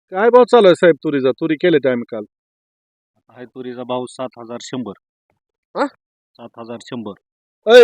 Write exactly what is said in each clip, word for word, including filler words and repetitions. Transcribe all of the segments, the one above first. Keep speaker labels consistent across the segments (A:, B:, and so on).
A: काय भाव चालू आहे साहेब तुरीचा? तुरी केले ते आम्ही काल.
B: आहे तुरीचा भाव सात हजार शंभर.
A: हा?
B: सात हजार शंभर.
A: अय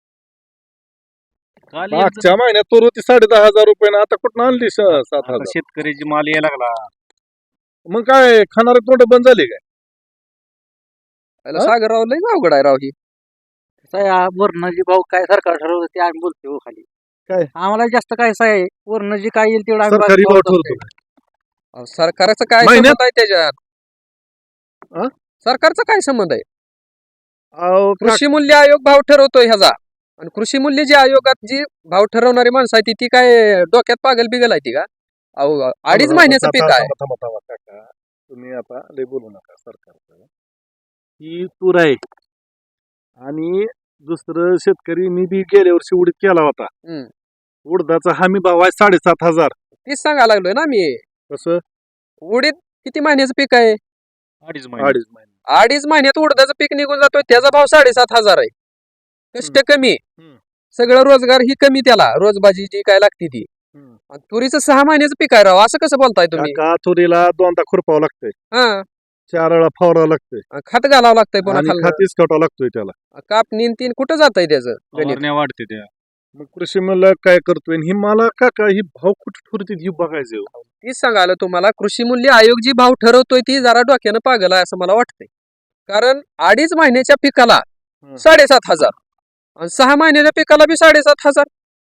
B: काल
A: मागच्या महिन्यात तूर होती साडे दहा हजार रुपये ना, आता कुठं आणली स- सात
B: आता
A: हजार
B: शेतकऱ्याची माल यायला लागला.
A: मग काय खाणारे तोंड बंद झाले काय?
C: त्याला
A: हा?
C: सागरराव लय अवघड आहे राव ही.
D: वरण जे भाव काय सरकार ठरवलं ते आम्ही बोलतो हो खाली.
A: काय?
D: आम्हाला जास्त काय आहे वरण जे काय येईल तेवढं आम्ही
A: सरकारी
D: भाव
A: भाव
D: ठरवतोय.
A: ठरतो.
C: अहो, सरकारचा काय
A: महिन्यात?
C: संबंध आहे त्याच्यात?
A: हा?
C: सरकारचा काय संबंध आहे?
A: अहो, का-
C: कृषी मूल्य आयोग भाव ठरवतोय ह्याचा. आणि कृषी मूल्य जी आयोगात जी भाव ठरवणारी माणसं आहे ती ती काय डोक्यात पागल बिगल आहे ती का? अहो अडीच
A: थांबा,
C: महिन्याचं
A: थांबा,
C: पीक आहे.
A: थांबा, थांबा, थांबा, काका. तुम्ही आता लय बोलू नका सरकारचं. ही तूर आहे आणि दुसरं शेतकरी मी बी गेल्या वर्षी उडीद केला होता.
C: हम्म.
A: उडदाचा हमी भाव आहे साडेसात हजार.
C: तीच सांगायला लागलोय ना मी.
A: कसं?
C: उडीद किती महिन्याचं पीक आहे?
B: अडीच महिने.
A: अडीच महिने.
C: अडीच महिन्यात उडदाचं पीक निघून जातोय त्याचा भाव साडेसात हजार आहे. कष्ट कमी,
A: हम्म.
C: सगळं रोजगार ही कमी, त्याला रोजबाजी जी काय लागते ती.
A: हम्म.
C: आणि तुरीचं सहा महिन्याचं पीक आहे राव, असं कसं बोलताय तुम्ही?
A: काका तुरीला दोनदा खुरपावं लागतंय,
C: हा,
A: चार वेळा फवारावं लागतंय
C: खत घालावं लागतंय पुन्हा
A: आणि
C: खाली.
A: खातीच खटावं लागतोय त्याला.
C: कापणी तीन कुठं जात आहे त्याचं गणित?
B: फवारण्या वाढते त्या.
A: मग कृषी मला काय करतोय आणि ही मला काका ही भाव कुठे ठरते ही बघायचं हो.
C: तीच सांगायला तुम्हाला, कृषी मूल्य आयोग जी भाव ठरवतोय ती जरा डोक्यानं पागल आहे असं मला वाटतंय. कारण अडीच महिन्याच्या पिकाला
A: हं.
C: साडेसात हजार आणि सहा महिन्याच्या पिकाला बी साडेसात हजार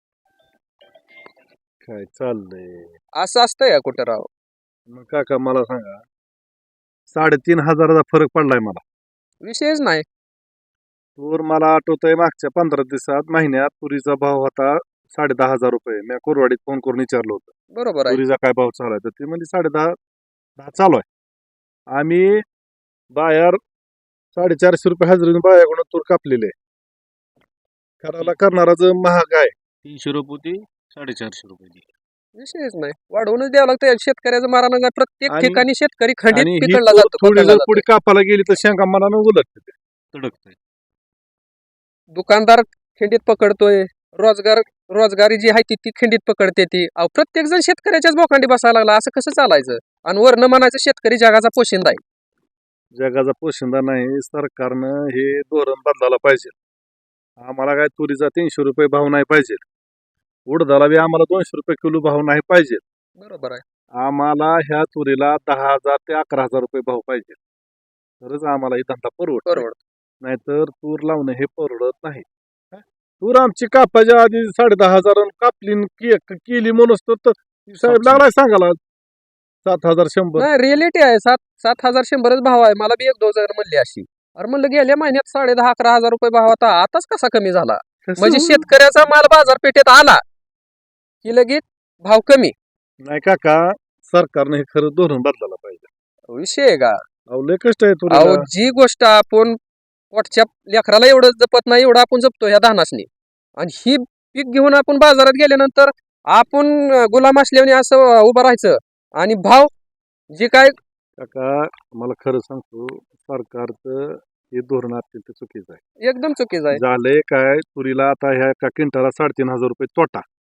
A: काय चाललंय?
C: असं असतंय का कुठं राव?
A: मग काका मला सांगा, साडेतीन हजाराचा फरक पडलाय मला.
C: विषयच नाही.
A: तूर मला आठवतंय मागच्या पंधरा दिवसात महिन्यात तुरीचा भाव होता साडे दहा हजार रुपये. मी कोरवाडीत फोन करून विचारलं होतं
C: बरोबर आहे.
A: तुरीचा काय भाव चालू आहे, तर ती म्हणजे साडे दहा दहा चालू आहे. आम्ही बाहेर साडेचारशे रुपये हजेरीने बायाकडून तूर कापलेले. करायला करणारा जो महाग आहे.
B: तीनशे रुपये होती, साडेचारशे रुपये ती.
C: विषयच नाही, वाढवूनच द्यावं लागतं. शेतकऱ्याचं मारायला नाही. प्रत्येक
A: आणि-
C: ठिकाणी शेतकरी खंडित
A: आणि ही
C: पिकडला
A: तूर
C: जातो,
A: थोडी
C: पकडला
A: जर
C: जातो.
A: पुढे कापायला गेली तर शेंगा मला न उलटते.
B: तडकतंय.
C: दुकानदार खिंडीत पकडतोय, रोजगार रोजगारी जी आहे ती ती खिंडीत पकडते ती. अहो प्रत्येक जण शेतकऱ्याच्याच बोकांडी बसायला लागला, असं कसं चालायचं? आणि वरनं म्हणायचं शेतकरी जगाचा पोशिंदा आहे.
A: जगाचा पोशिंदा नाही. सरकारनं हे धोरण बदलायला पाहिजे. आम्हाला काय तुरीचा तीनशे रुपये भाव नाही पाहिजे, उडदाला बी आम्हाला दोनशे रुपये किलो भाव नाही पाहिजे.
C: बरोबर आहे.
A: आम्हाला ह्या तुरीला दहा हजार ते अकरा हजार रुपये भाव पाहिजे, तरच आम्हाला ही धंदा परवडत.
C: बरोबर.
A: नाहीतर तूर लावणं हे परवडत नाही. हा? तूर आमची कापायच्या आधी साडे दहा हजार कापली न के- केली म्हणून तर तर साहेब लागलाय सांगायला सात हजार शंभर.
C: नाही, रिअलिटी आहे. सात सात हजार शंभरच भाव आहे. मला बी एक दोन हजार म्हणली अशी. अरे म्हणलं गेल्या महिन्यात साडे दहा अकरा हजार रुपये भाव होता, आताच कसा कमी झाला?
A: कसं
C: म्हणजे
A: होईल?
C: शेतकऱ्याचा माल बाजारपेठेत आला की लगेच भाव कमी.
A: नाही काका, सरकारने हे खरं धोरण बदलायला पाहिजे.
C: विषय आहे का?
A: अहो लय कष्ट आहे
C: अहो
A: तुरीला.
C: जी गोष्ट आपण पोटच्या लेकराला एवढं जपत नाही एवढं आपण जपतो ह्या धानासनी. आणि ही पीक घेऊन आपण बाजारात गेल्यानंतर आपण अं, गुलाम असल्याने असं अं, उभं राहायचं. आणि भाव जे काय
A: काका मला खरं सांगतो, सरकारचं हे धोरण अत्यंत चुकीचं आहे.
C: एकदम चुकीचं आहे.
A: झालंय काय, तुरीला आता ह्या एका क्विंटाला साडेतीन हजार रुपये तोटा.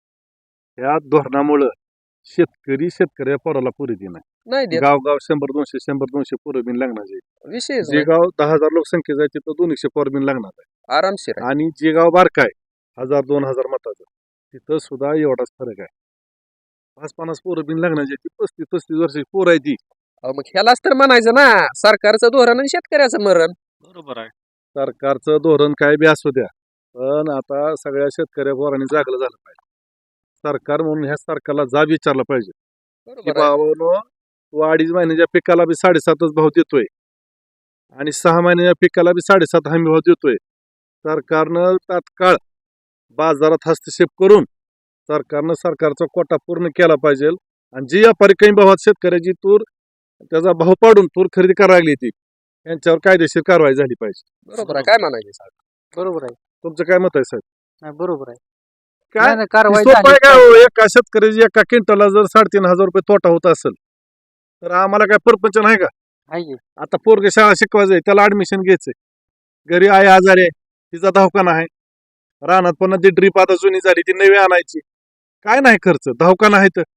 A: या धोरणामुळं शेतकरी शेतकऱ्या पोराला पुरी देणार.
C: नाही देत.
A: गाव गाव शंभर दोनशे शंभर दोनशे पोरं बिन लागणार.
C: विषय
A: जे गाव दहा हजार लोकसंख्येचं आहे तिथं दोनशे पोर बिन लागणार आहे.
C: आरामशीर आहे.
A: आणि जे गाव बारक आहे हजार दोन हजार मताचं, तिथं सुद्धा एवढाच फरक आहे. पाच पन्नास पोरं बिन लागण्याची ती पस्तीस पस्तीस वर्षाची पोर आहे ती.
C: अहो, मग ह्यालाच तर म्हणायचं ना, सरकारचं धोरण आणि शेतकऱ्याचं मरण.
B: बरोबर आहे.
A: सरकारचं धोरण काय बी असू द्या, पण आता सगळ्या शेतकऱ्या पोरांनी जागलं झालं पाहिजे. सरकार म्हणून ह्या सरकारला जाब विचारला पाहिजे की
C: बरोबर आहे.
A: बाबांनो, तू अडीच महिन्याच्या पिकाला बी साडेसातच भाव देतोय आणि सहा महिन्याच्या पिकाला बी साडेसात हमी भाव देतोय. सरकारनं तात्काळ बाजारात हस्तक्षेप करून सरकारनं सरकारचा कोटा पूर्ण केला पाहिजे. आणि जी व्यापारी कमी भावात शेतकऱ्याची तूर त्याचा भाव पाडून तूर खरेदी करायला लागली ती, यांच्यावर कायदेशीर कारवाई झाली पाहिजे.
C: बरोबर आहे. काय म्हणायचं?
D: बरोबर आहे.
A: तुमचं काय मत आहे साहेब?
D: नाही, बरोबर आहे.
A: काय
D: नाही, नाही, कारवाई
A: सोपं आहे
D: झालीच
A: काय
D: पाहिजे.
A: हो? एका शेतकऱ्याची एका क्विंटलला जर साडेतीन हजार रुपये तोटा होत असेल तर आम्हाला काय परपंच नाही का?
D: आहे की?
A: आता पोरगे शाळा शिकवायचंय, त्याला ऍडमिशन घ्यायचंय, घरी आई आजारी आहे, तिचा दवाखाना आहे, रानात पण ती ड्रीप आता जुनी झाली ती नवी आणायची, काय नाही खर्च, दवाखाना आहे तर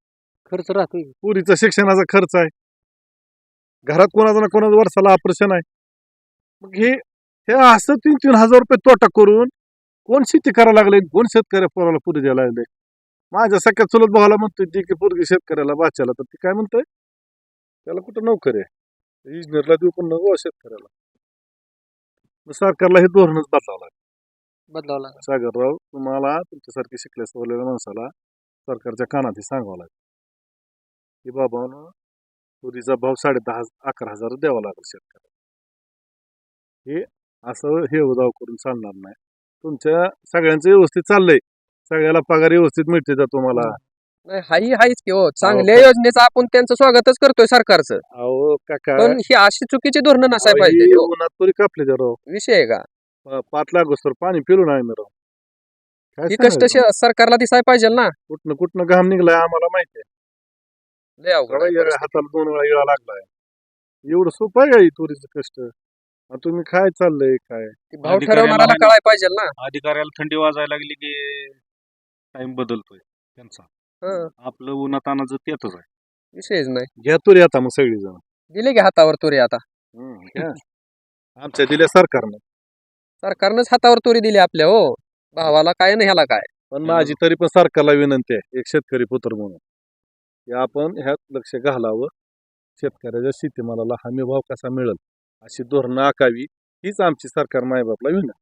D: खर्च राहतोय
A: पुरीचा शिक्षणाचा खर्च आहे, घरात कोणाचा ना कोणाचा वर्षाला ऑपरेशन आहे. मग हे हे असं तीन तीन हजार रुपये तोटा करून कोण शेती करायला लागले, कोण शेतकऱ्या पोराला पुरी द्यायला लागले. माझ्या सख्या चुलत भावाला म्हणतोय ती की पोरगी शेतकऱ्याला बाच्याला, तर ती काय म्हणतोय त्याला कुठं नोकरी आहे, इंजिनियरला देऊ पण नको शेतकऱ्याला. मग सरकारला हे धोरणच बदलावं लागेल.
D: बदलावं लागेल.
A: सागरराव, तुम्हाला तुमच्यासारखी शिकल्या सवरलेल्या माणसाला सरकारच्या कानात सांगावं लागेल की बाबा तुरीचा भाव साडे दहा अकरा हजार द्यावा लागेल शेतकऱ्याला. हे असं हे उदाव करून चालणार नाही. तुमच्या सगळ्यांचं व्यवस्थित चाललंय, सगळ्याला पगार व्यवस्थित मिळते का तुम्हाला?
C: नाही हाही हाईच की हो, चांगल्या योजनेचं आपण त्यांचं स्वागतच करतोय सरकारचं,
A: अहो काका,
C: पण ही अशी चुकीची धोरणं नसाय
A: अहो,
C: पाहिजे
A: ही
C: हो.
A: उन्हात तरी कापले जरा राव.
C: विषय आहे का
A: प- पाच लाख तर पाणी पिलो नाही मी राव. काय
C: ही कष्ट
A: सांगायचं?
C: श- सरकारला दिसाय पाहिजे ना.
A: कुठनं कुठनं घाम निघलाय आम्हाला माहिती आहे.
C: लय अवघड आहे
A: बघा, या
C: परिस्थिती.
A: हाताला दोन वेळा इळा लागलाय. एवढं सोपं आहे का ही तुरीचं कष्ट? आणि तुम्ही काय चाललंय काय?
C: ती भाव
B: अधिकाऱ्याला
C: ठरवणाऱ्याला
B: आणि-
C: कळाय पाहिजे ना.
B: अधिकाऱ्याला थंडी वाजायला लागली की टाइम बदलतोय त्यांचा.
C: हं,
B: आपलं उन्हातानाचं तेच आहे.
C: विषयच नाही.
A: घ्या तुरी आता मग सगळी जण.
C: दिले की हातावर तुरी आता.
A: आमच्या दिल्या सरकारनं.
C: सरकारनंच हातावर तुरी दिली आपल्या हो. भावाला काय नाही ह्याला काय.
A: पण माझी तरी पण सरकारला विनंती आहे, एक शेतकरी पुत्र म्हणून, की आपण ह्यात लक्ष घालावं. शेतकऱ्याच्या शेतीमालाला हमी भाव कसा मिळेल अशी धोरणं आखावी, हीच आमची सरकार मायबापला विनंती.